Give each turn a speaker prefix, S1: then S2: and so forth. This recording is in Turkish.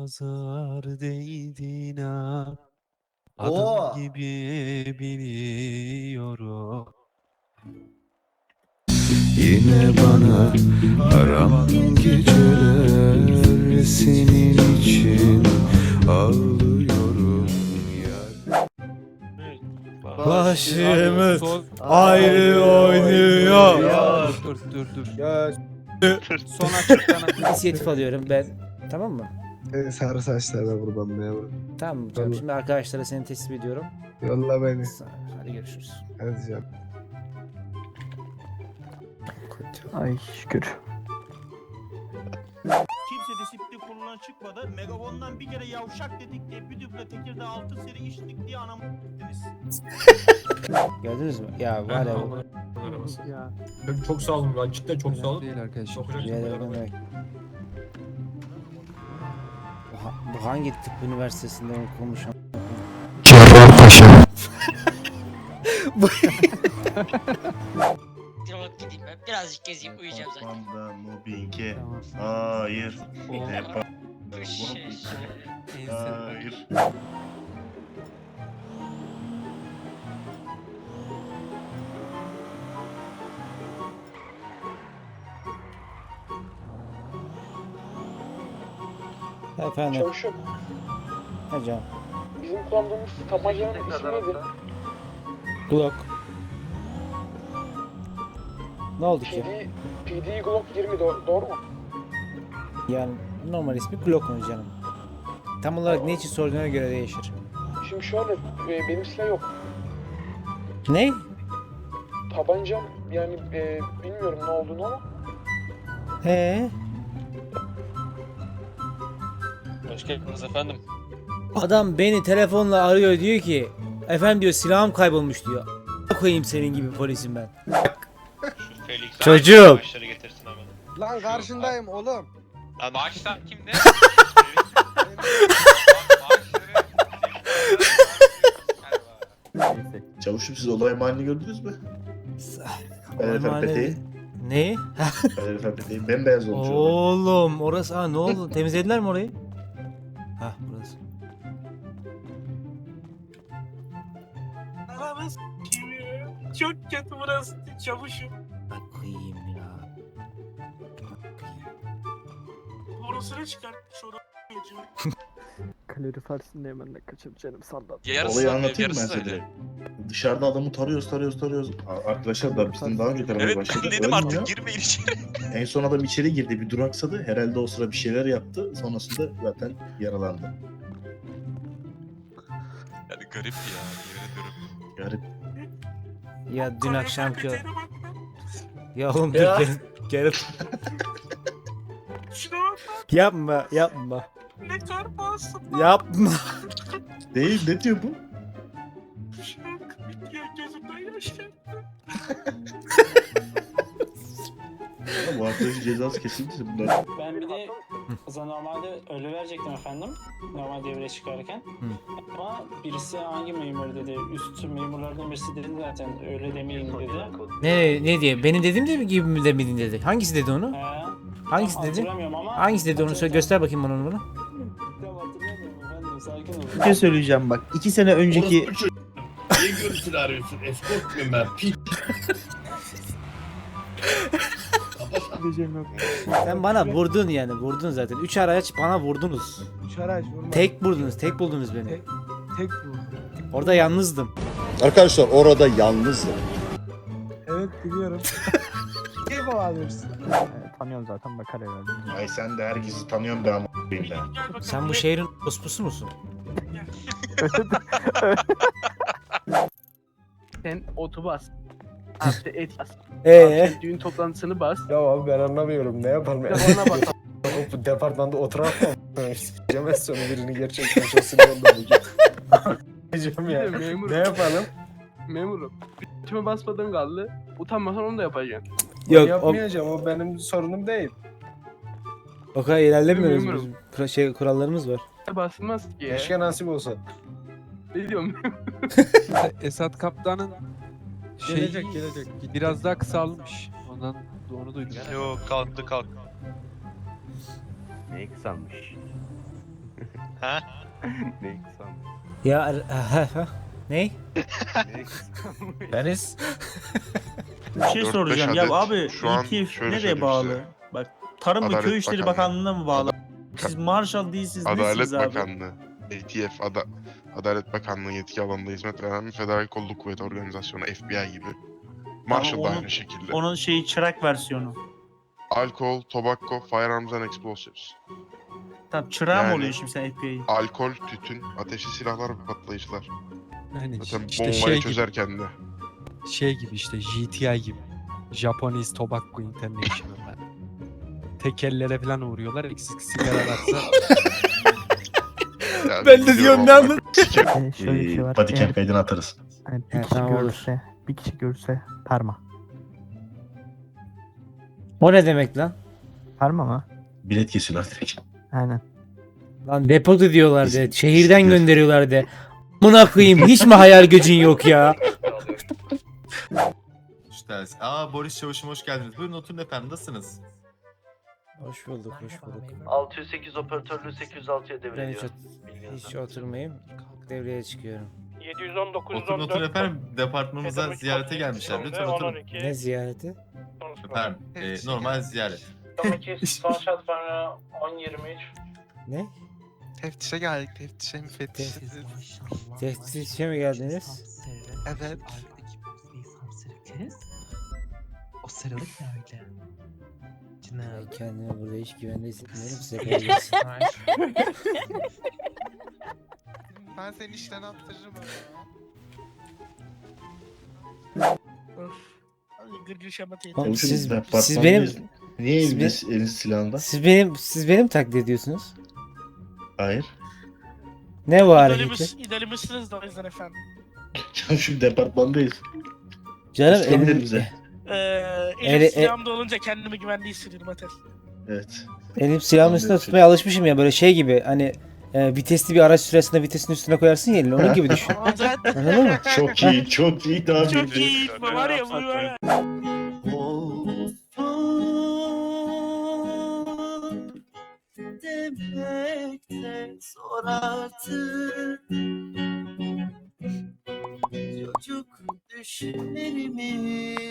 S1: nazar değdi inan. Adım
S2: Oo.
S1: gibi biliyorum.
S3: Yine bana haram geceler senin için ağlıyorum yar.
S1: Başımız
S3: ayrı oynuyor.
S1: Dur.
S4: Ya
S5: Son açıklanan
S4: inisiyatif alıyorum ben. Tamam mı?
S6: Sarı saçlarına kurban memur.
S4: Tamam canım.
S6: Tamam.
S4: Şimdi arkadaşlara seni teslim ediyorum.
S6: Yolla beni.
S4: Hadi görüşürüz.
S6: Hadi canım.
S7: Ay şükür.
S8: Kimse disiplin kuruluna çıkmadı. Megafon'dan bir kere yavşak dedik diye bir düble Tekirdağ 6 seri içtik diye anamı ettiniz.
S4: Gördünüz mü? Ya var ya.
S7: Ya.
S9: Çok sağ olun lan, cidden çok sağ olun.
S1: Değil arkadaşlar.
S9: Sokacak
S4: Rica ederim,
S9: şimdi
S4: ne demek. Bu hangi tıp üniversitesinde okumuş?
S3: Cerrahpaşa.
S10: Direkt gideyim ben. Birazcık gezeyim uyuyacağım zaten.
S2: Panda, mobbinge.
S7: Tamam.
S2: Hayır.
S1: O
S2: Depa.
S1: ense.
S2: Hayır.
S4: Efendim.
S7: Çavuşum,
S4: Hocam.
S7: bizim kullandığımız tabancanın ismi nedir?
S4: Glock. Ne oldu ki?
S7: PD Glock 20 doğru mu?
S4: Yani normal ismi Glock mu canım? Tam olarak ne için sorduğuna göre değişir.
S7: Şimdi şöyle, benim silah yok.
S4: Ne?
S7: Tabancam yani bilmiyorum ne olduğunu ama.
S8: Hoş geldiniz efendim.
S4: Adam beni telefonla arıyor diyor ki efendim diyor silahım kaybolmuş diyor. Koyayım senin gibi polisim ben.
S8: Şu Felix
S4: Çocuk.
S8: başları getirsin hemen.
S6: Lan karşındayım oğlum.
S8: Lan maaşlar kimde?
S2: Çavuşum siz olay mahallini gördünüz mü? Kalorifer peteği.
S4: Ne?
S2: Kalorifer peteği bembeyaz olmuş olay.
S4: Oğlum orası ne oldu? Temizlediler mi orayı? Hah burası.
S8: Aramız çok kötü burası çavuşum.
S4: Bakayım ya.
S8: Borusunu çıkartmış orada.
S7: Kalorifersin hemen de kaçıp canım sallan.
S2: Olayı anlatayım mı ben size? Dışarıda adamı tarıyoruz. Arkadaşlar da bizden daha önce taramaya başladı. Ölmüyor.
S8: Girmeyin içeri.
S2: En son adam içeri girdi, bir duraksadı. Herhalde o sıra bir şeyler yaptı. Sonrasında zaten yaralandı.
S8: Yani garip ya, yemin ediyorum.
S2: Garip.
S4: Ya dün akşamki ya oğlum
S9: Ya.
S4: dur gel.
S8: Şuna bak
S4: Yapma.
S8: ne kar bağırsın.
S4: Yapma.
S2: Değil, ne diyor bu?
S8: Şuna bak ya gözümden yaş geldi.
S2: Ya bu arkadaşın cezası kesildi bunlar.
S8: Ben bir de normalde öyle verecektim efendim. Normal devreye çıkarken. Ama birisi hangi memur dedi? Üst memurlardan birisi dedi zaten öyle demeyin dedi.
S4: Ne diye? Benim dediğim de gibi mi demedin dedi. Hangisi dedi onu? Hangisi dedi?
S8: Hatırlamıyorum ama.
S4: Hangisi dedi onu söyle göster bakayım bana onu.
S8: Tamam, hatırlamıyorum efendim, sakin olun.
S6: Bir şey söyleyeceğim bak. 2 sene önceki...
S9: Niye görüntülü arıyorsun? Eskort muyum ben? Piç.
S4: Sen bana vurdun yani vurdun zaten. 3 araç bana vurdunuz.
S6: Şaraç vurma.
S4: Tek vurdunuz, tek buldunuz beni.
S6: Tek vur.
S4: Orada yalnızdım.
S3: Arkadaşlar orada yalnızdım.
S6: Evet biliyorum. Ne kovalıyorsun?
S7: Tanıyorum zaten bakar herhalde.
S2: Ay sen de herkesi tanıyorsun be ama a**ayım da.
S4: Sen bu şehrin ospusu musun?
S7: Sen otu bas. Artı et bas. Düğün toplantısını bas.
S6: Ya abi ben anlamıyorum. Ne yapalım?
S7: Telefona bas.
S6: Bu departmanda oturamam. Cemez sonu birini gerçekten çok sinirlendim bugün. Diyeceğim ya.
S7: Memur.
S6: Ne yapalım?
S7: Memurum. Bütüme basmadığın kaldı. Utanmasan onu da yapacaksın.
S4: Yok
S6: Yapmayacağım. O benim sorunum değil.
S4: o kadar ilerlemiyoruz
S7: Bilmiyorum.
S4: biz. Kurallarımız var.
S7: Basılmaz ki ya.
S6: Keşke nasip olsa.
S7: Ne diyorum?
S1: Esat Kaptan'ın
S6: Gelecek.
S1: biraz daha kısalmış. Onu duydum.
S8: Yok kalktı.
S5: Ne kısalmış?
S4: Ya ne?
S6: Deniz.
S5: Bir şey soracağım ya abi ETF nereye bağlı? Bak Tarım ve Köy İşleri Bakanlığı'na mı bağlı? Siz Marshall değilsiniz nesiniz abi?
S11: Bakanlığı. ATF, Adalet Bakanlığı yetki alanında hizmet veren bir federal kolluk kuvveti organizasyonu, FBI gibi. Marshall da
S5: onun-
S11: aynı şekilde.
S5: Onun şeyi çırak versiyonu.
S11: Alkol, tobacco, firearms and explosives.
S5: Tabii çırağı mı
S11: Yani-
S5: oluyor şimdi sen FBI'yi?
S11: Alkol, tütün, ateşli silahlar ve patlayıcılar.
S1: Yani
S11: Zaten
S1: işte
S11: bombayı
S1: şey gibi,
S11: çözerken de.
S1: şey gibi işte GTI gibi. Japanese Tobacco International. Tekellere falan uğruyorlar. Eksik sigara varsa
S11: Ya
S4: Ben de
S11: biliyorum
S4: diyorum ne
S11: ama
S4: anladın?
S7: Şöyle bir şey var.
S2: Bodycam kaydını atarız.
S7: Hani
S4: He, tamam, olur.
S7: bir kişi görse parma.
S4: O ne demek lan?
S7: Parma mı?
S2: Bilet kesiyorlar direkt.
S7: Aynen.
S4: Lan depoda diyorlar de.
S2: Biz-
S4: Şehirden
S2: biz-
S4: gönderiyorlar de. Amına koyayım hiç mi hayal gücün yok ya?
S3: Boris Çavuş'um hoş geldiniz. Buyurun oturun efendim, nasılsınız?
S4: Hoş bulduk, hoş bulduk.
S7: 608 operatörlüğü 806'ya
S4: Ben hiç oturmayayım. Devreye çıkıyorum.
S5: 719
S3: Oturun oturun efendim, departmanımıza ziyarete gelmişler. Lütfen oturun.
S4: Ne ziyareti?
S3: Efendim, normal ziyaret.
S8: Son şart bana 10-23.
S4: Ne?
S1: teftişe geldik. Teftişe mi
S4: Teftişe mi geldiniz?
S1: Evet.
S10: O sarılık ne öyle?
S4: Ben kendimi burada hiç güvende hissetmiyorum, size kolay gelsin.
S1: Ben senin işten attırırım
S4: Oğlum
S2: Çavuşum,
S4: siz
S2: departmandayız.
S4: benim
S2: Niye
S4: siz
S2: eliniz silahında?
S4: siz benim taklit ediyorsunuz.
S2: Hayır.
S4: Ne bu hareketi?
S5: İdealimiz da o yüzden efendim.
S2: Çavuşum departmandayız.
S4: Canım
S2: Üstlendir
S4: elim,
S2: bize.
S4: Eli-
S5: silahımda olunca kendimi güvende hissediyorum Atel.
S2: Evet.
S4: elim silahımın üstüne tutmaya alışmışım ya, böyle şey gibi hani vitesli bir araç süresinde vitesin üstüne koyarsın ya elini, onun gibi düşün. Anladın mı?
S2: Çok iyi, çok iyi daha
S5: Çok iyi var ya bu var ya.
S7: Demekte zor artık. Çocuk düşlerimi